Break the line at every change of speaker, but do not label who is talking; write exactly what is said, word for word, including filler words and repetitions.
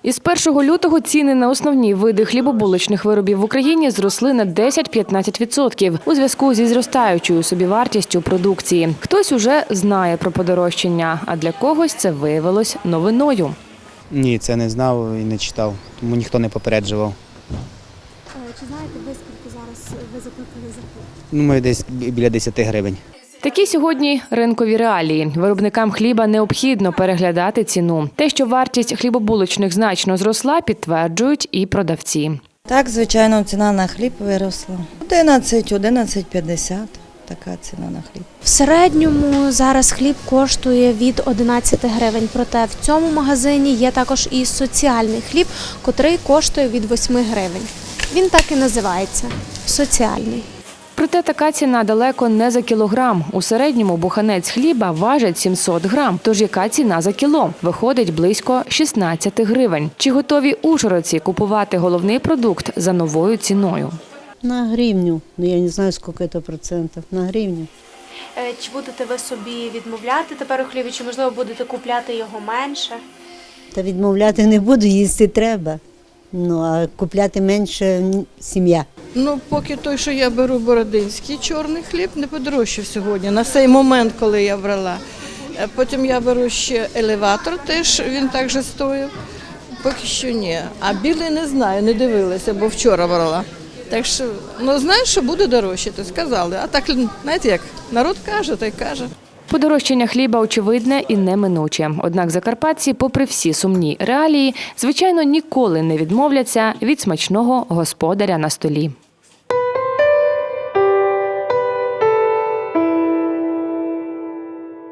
Із першого лютого ціни на основні види хлібобулочних виробів в Україні зросли на десять-п'ятнадцять відсотків у зв'язку зі зростаючою собівартістю продукції. Хтось уже знає про подорожчання, а для когось це виявилось новиною.
Ні, це не знав і не читав, тому ніхто не попереджував.
Чи знаєте ви, скільки зараз ви заплатили за хліб?
Ну, ми десь біля десяти гривень.
Такі сьогодні ринкові реалії. Виробникам хліба необхідно переглядати ціну. Те, що вартість хлібобулочних значно зросла, підтверджують і продавці.
Так, звичайно, ціна на хліб виросла. одинадцять, одинадцять п'ятдесят – така ціна на хліб.
В середньому зараз хліб коштує від одинадцяти гривень, проте в цьому магазині є також і соціальний хліб, котрий коштує від восьми гривень. Він так і називається – соціальний.
Проте така ціна далеко не за кілограм. У середньому буханець хліба важить сімсот грам. Тож яка ціна за кіло? Виходить близько шістнадцяти гривень. Чи готові ужгородці купувати головний продукт за новою ціною?
На гривню. Ну, я не знаю, скільки це процентів. На гривню.
Чи будете ви собі відмовляти тепер у хлібі, чи, можливо, будете купляти його менше?
Та відмовляти не буду, їсти треба. Ну, а купляти менше сім'я.
Ну, поки той, що я беру бородинський чорний хліб, не подорожчав сьогодні, на цей момент, коли я брала. Потім я беру ще елеватор, теж він так же стоїв, поки що ні. А білий не знаю, не дивилася, бо вчора брала. Так що, ну, знаю, що буде дорожче, то сказали. А так, знаєте як, народ каже, та й каже.
Подорожчання хліба очевидне і неминуче. Однак закарпатці, попри всі сумні реалії, звичайно, ніколи не відмовляться від смачного господаря на столі.